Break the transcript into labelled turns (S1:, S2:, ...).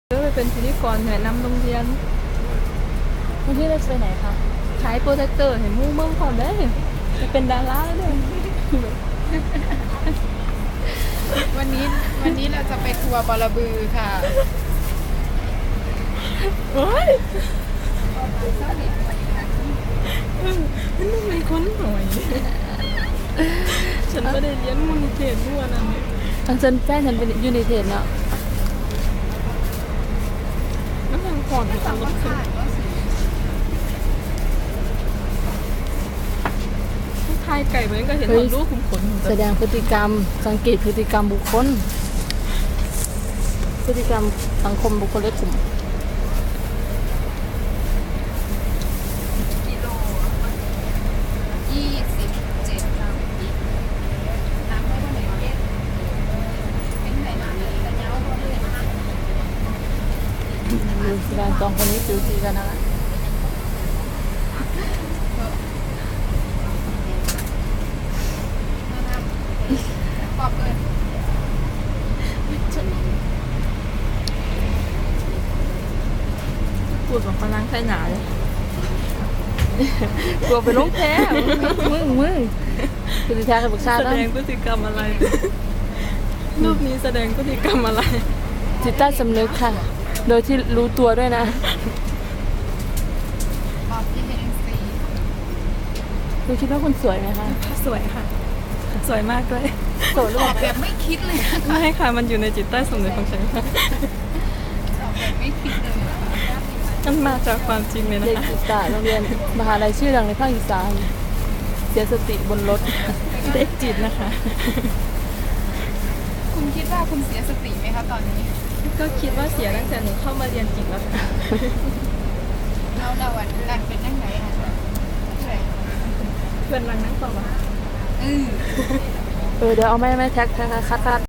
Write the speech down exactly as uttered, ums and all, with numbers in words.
S1: ก็ไปเป็นพิธีกรแนะนำโรงเรียน
S2: วันที่เราจะไปไหนคะ
S1: ขายโปรเจคเตอร์เห็นมู่เมืองก่อนได้จะเป็นดาราเลย
S3: วันนี้วันนี้เราจะไปทัวร์บอระบือค่ะ
S1: โอ้ยมันต้องเป็นคนหน่อยฉันไม่ได้เรียนมูลนิธิด้วยนั่นนี่
S2: ทางเซนแฟนฉันเป็นยูนิเทนเนาะ
S1: น้ำมันก่อนของรถขึ้นทายไก่เหมือนก็เห็นคนรู้ขุมขน
S2: แสดงพฤติกรรม สังเกตพฤติกรรมบุคคล พฤติกรรมสังคมบุคคลและกลุ่ม
S3: กิโลยี่สิบเจ็ดน้ำน้ำไม่ต้องไหนเย็นเป็นไหนมาเลยแต่เย้าก็เลยนะคะ
S2: ดูสิการสองคนนี้จูจีกันนะคะ
S3: ปอบเลย
S1: พูดแบบพลังใส่หนาเลย
S2: กลัวไปลงแพ้มึงมึงคือแท้กับบุกชา
S1: แส
S2: ติ
S1: ดงพฤติกรรมอะไร รูปนี้แสดงพฤติกรรมอะไร
S2: จิตใต้สำนึกค่ะ โดยที่รู้ตัวด้วยนะ
S3: ปอบที่เฮนซี
S2: ดูคิดว่าคุณสวยไหมคะ
S1: สวยค่ะ สวยมากด้วย
S2: โสดหรือ
S3: ป
S2: เป
S3: อ
S2: ล่า
S3: บแบบไม่คิดเลยอะ
S1: ไม่ค่ะ มันอยู่ในจิตใต้สำนึกของฉันค่ะ
S3: ปอบแบบไม่คิดเลยอะ
S1: มันมาจากความจริงเลยนะ
S2: เด็ก
S1: คะ
S2: ศึกษาโรงเรียนมหาลัยชื่อดังในภาคอีสานเสียสติบนรถ
S1: เด็กจิตนะคะ
S3: คุณคิดว่าคุณเสียสติไหมคะตอนนี้
S1: ก็คิดว่าเสียตั้งแต่หนูเข้ามาเรียนจิตแล้วค่ะ
S3: เราเราอ่ะการเป็นยังไงคะใช่
S1: เพื่อนรังนั่งต่อมา
S3: เออ
S2: เออเดี๋ยวเอาไม่ไม่แท็กแท็กคัดคัด